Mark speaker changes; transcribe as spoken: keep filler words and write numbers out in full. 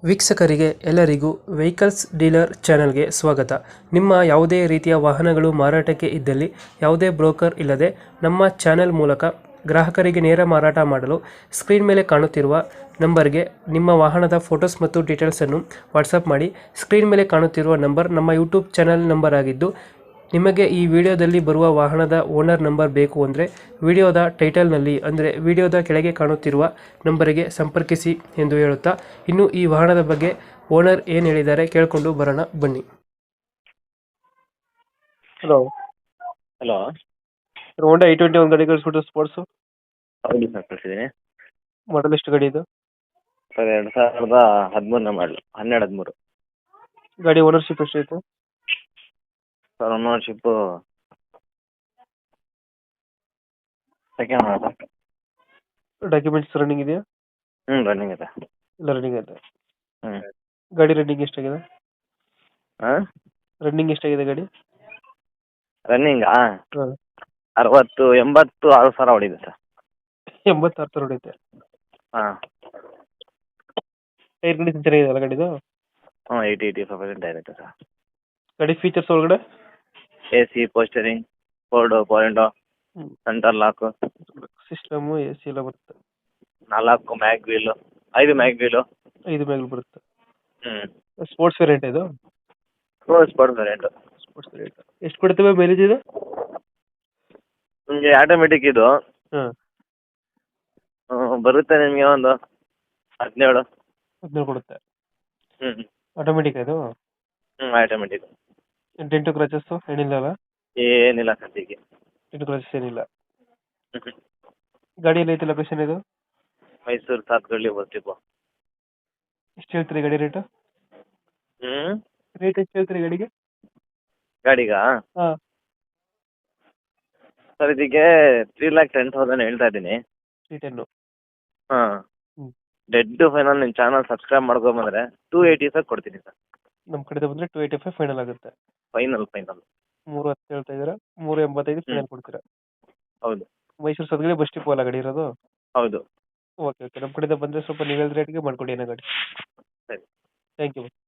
Speaker 1: ವೀಕ್ಷಕರಿಗೆ ಎಲ್ಲರಿಗೂ vehicles dealer ಚಾನೆಲ್ಗೆ ಸ್ವಾಗತ. ನಿಮ್ಮ ಯಾವುದೇ ರೀತಿಯ ವಾಹನಗಳು ಮಾರಾಟಕ್ಕೆ ಇದ್ದಲ್ಲಿ ಯಾವುದೇ ಬ್ರೋಕರ್ ಇಲ್ಲದೆ ನಮ್ಮ ಚಾನೆಲ್ ಮೂಲಕ ಗ್ರಾಹಕರಿಗೆ ನೇರ ಮಾರಾಟ ಮಾಡಲು ಸ್ಕ್ರೀನ್ ಮೇಲೆ ಕಾಣುತ್ತಿರುವ ನಂಬರ್ಗೆ ನಿಮ್ಮ ವಾಹನದ ಫೋಟೋಸ್ ಮತ್ತು ಡೀಟೇಲ್ಸನ್ನು ವಾಟ್ಸಪ್ ಮಾಡಿ. ಸ್ಕ್ರೀನ್ ಮೇಲೆ ಕಾಣುತ್ತಿರುವ ನಂಬರ್ ನಮ್ಮ ಯೂಟ್ಯೂಬ್ ಚಾನೆಲ್ ನಂಬರ್ ಆಗಿದ್ದು, ನಿಮಗೆ ಈ ವಿಡಿಯೋದಲ್ಲಿ ಬರುವ ವಾಹನದ ಓನರ್ ನಂಬರ್ ಬೇಕು ಅಂದರೆ ವಿಡಿಯೋದ ಟೈಟಲ್ನಲ್ಲಿ ಅಂದರೆ ವಿಡಿಯೋದ ಕೆಳಗೆ ಕಾಣುತ್ತಿರುವ ನಂಬರಿಗೆ ಸಂಪರ್ಕಿಸಿ ಎಂದು ಹೇಳುತ್ತಾ, ಇನ್ನು ಈ ವಾಹನದ ಬಗ್ಗೆ ಓನರ್ ಏನು ಹೇಳಿದ್ದಾರೆ ಕೇಳಿಕೊಂಡು ಬರೋಣ ಬನ್ನಿ. Hello
Speaker 2: hello.
Speaker 1: Honda i twenty ಒಂದು ಗಾಡಿ ಕಳಿಸ್ಬಿಟ್ಟು ಸ್ಪೋರ್ಟ್ಸು
Speaker 2: ಹೌದು ಸರ್, ಕಳಿಸಿದ್ದೀನಿ.
Speaker 1: ಮಾಡಲ್ ಎಷ್ಟು ಗಾಡಿ ಇದು?
Speaker 2: ಸರ್ ಎರಡು ಸಾವಿರದ ಹದಿಮೂರನೇ ಮಾಡಲು, ಹನ್ನೆರಡು ಹದಿಮೂರು.
Speaker 1: ಗಾಡಿ ಓನರ್ಶಿಪ್ ಎಷ್ಟೈತೆ?
Speaker 2: Sir ownership second owner.
Speaker 1: Documents running ಇದೆಯಾ?
Speaker 2: ಹ್ಞೂ ರನ್ನಿಂಗ್ ಇದೆ.
Speaker 1: ಇಲ್ಲ ರನ್ನಿಂಗ್ ಐತೆ.
Speaker 2: ಹ್ಞೂ.
Speaker 1: ಗಾಡಿ ರನ್ನಿಂಗ್ ಎಷ್ಟಾಗಿದೆ?
Speaker 2: ಹಾಂ
Speaker 1: ರನ್ನಿಂಗ್ ಎಷ್ಟಾಗಿದೆ ಗಾಡಿ?
Speaker 2: ರನ್ನಿಂಗಾ
Speaker 1: ಹಾಂ,
Speaker 2: ಅರವತ್ತು ಎಂಬತ್ತು ಆರು ಸಾವಿರ ಹೊಡಿದೆ ಸರ್.
Speaker 1: ಎಂಬತ್ತಾರು ಸಾವಿರ ಹೊಡೈತೆ.
Speaker 2: ಹಾಂ.
Speaker 1: ಟೈರ್ ಕಂಡೀಷನ್ ಚೆನ್ನಾಗಿದೆ ಅಲ್ಲ ಗಾಡಿದು?
Speaker 2: ಹ್ಞೂ ಏಯ್ಟಿ ಏಯ್ಟಿ ಫೈವ್ ಪರ್ಸೆಂಟ್ ಇರುತ್ತೆ ಸರ್.
Speaker 1: ಗಾಡಿ ಫೀಚರ್ಸ್ ಒಳಗಡೆ
Speaker 2: ಎ ಸಿ, ಪೋಸ್ಟರಿಂಗ್, ಫೋರ್ಡು, ಪಾಯಿಂಟು, centre lock,
Speaker 1: system A C ಎಲ್ಲ ಬರುತ್ತೆ.
Speaker 2: ನಾಲ್ಕು ಮ್ಯಾಗ್ ವೀಲು, ಐದು ಮ್ಯಾಗ್ ವೀಲು.
Speaker 1: ಐದು ಮೇಲೆ ಬರುತ್ತೆ.
Speaker 2: ಹ್ಞೂ.
Speaker 1: ಸ್ಪೋರ್ಟ್ಸ್ ವೇರಿಯಂಟ್ ಇದು?
Speaker 2: ಕ್ರೋಸ್ ಸ್ಪಾಟ್ ವೇರಿಯಂಟು.
Speaker 1: ಸ್ಪೋರ್ಟ್ಸ್ ವೇರಿಯಂಟ್ ಎಷ್ಟು ಕೊಡ್ತೇವೆ ಮೈಲೇಜ್ ಇದು?
Speaker 2: ನಿಮಗೆ ಆಟೋಮೆಟಿಕ್ ಇದು
Speaker 1: ಹಾಂ,
Speaker 2: ಹ್ಞೂ, ಬರುತ್ತೆ ನಿಮಗೆ ಒಂದು ಹದಿನೇಳು.
Speaker 1: ಹದಿನೇಳು ಕೊಡುತ್ತೆ.
Speaker 2: ಹ್ಞೂ ಹ್ಞೂ
Speaker 1: ಆಟೋಮೆಟಿಕ್ ಇದು?
Speaker 2: ಹ್ಞೂ ಆಟೋಮೆಟಿಕ್.
Speaker 1: ಡೆಂಟು ಕ್ರಚಸ್ಸು ಏನಿಲ್ಲ ಅಲ್ಲ?
Speaker 2: ಏನಿಲ್ಲ ಸದ್ಯಕ್ಕೆ.
Speaker 1: ಡೆಂಟು ಕ್ರಚಸ್ ಏನಿಲ್ಲ.
Speaker 2: ಹ್ಞೂ ಹ್ಞೂ.
Speaker 1: ಗಾಡಿಯಲ್ಲಿ ಐತೆ ಲೊಕೇಶನ್ ಇದು?
Speaker 2: ಮೈಸೂರು ಸಾತ್ಗಳ್ಳಿ ಬರ್ತೀವಿ.
Speaker 1: ಎಷ್ಟು ಹೇಳ್ತೀರಿ ಗಾಡಿ ರೇಟು?
Speaker 2: ಹ್ಞೂ.
Speaker 1: ರೇಟ್ ಎಷ್ಟು ಹೇಳ್ತೀರಿ ಗಾಡಿಗೆ?
Speaker 2: ಗಾಡಿಗಾ
Speaker 1: ಹಾಂ,
Speaker 2: ಸರ್ ಇದಕ್ಕೆ ತ್ರೀ ಲ್ಯಾಕ್ ಟೆನ್ ತೌಸಂಡ್ ಹೇಳ್ತಾ ಇದ್ದೀನಿ.
Speaker 1: Three ten.
Speaker 2: ಹಾಂ.
Speaker 1: ಹ್ಞೂ,
Speaker 2: ಡೆಡ್ ಫೈನಲ್ ನಿಮ್ಮ ಚಾನಲ್ ಸಬ್ಸ್ಕ್ರೈಬ್ ಮಾಡ್ಕೊಂಬಂದ್ರೆ ಟೂ ಏಯ್ಟಿ ಸರ್ ಕೊಡ್ತೀನಿ ಸರ್.
Speaker 1: ನಮ್ಮ ಕಡೆಯಿಂದ ಬಂದರೆ ಟು ಏಯ್ಟಿ ಫೈವ್ ಫೈನಲ್ ಆಗುತ್ತೆ.
Speaker 2: ಫೈನಲ್ ಫೈನಲ್
Speaker 1: ಮೂರು ಹತ್ತು ಹೇಳ್ತಾ ಇದ್ದೀರಾ, ಮೂರು ಎಂಬತ್ತೈದು
Speaker 2: ಹ್ಞೂ
Speaker 1: ಫೈನಲ್ ಕೊಡ್ತೀರಾ?
Speaker 2: ಹೌದು
Speaker 1: ಮೈಸೂರು ಸದ್ಗಡೆ ಬಸ್ ಡಿಪೋ ಅಲ್ಲ ಗಾಡಿ ಇರೋದು?
Speaker 2: ಹೌದು.
Speaker 1: ಓಕೆ ಓಕೆ, ನಮ್ಮ ಕಡೆಯಿಂದ ಬಂದರೆ ಸ್ವಲ್ಪ ನೀವು ಹೇಳಿದ ರೇಟ್ಗೆ ಮಾಡಿಕೊಡಿ ಏನೋ ಗಾಡಿ.
Speaker 2: ಸರಿ.
Speaker 1: Thank you.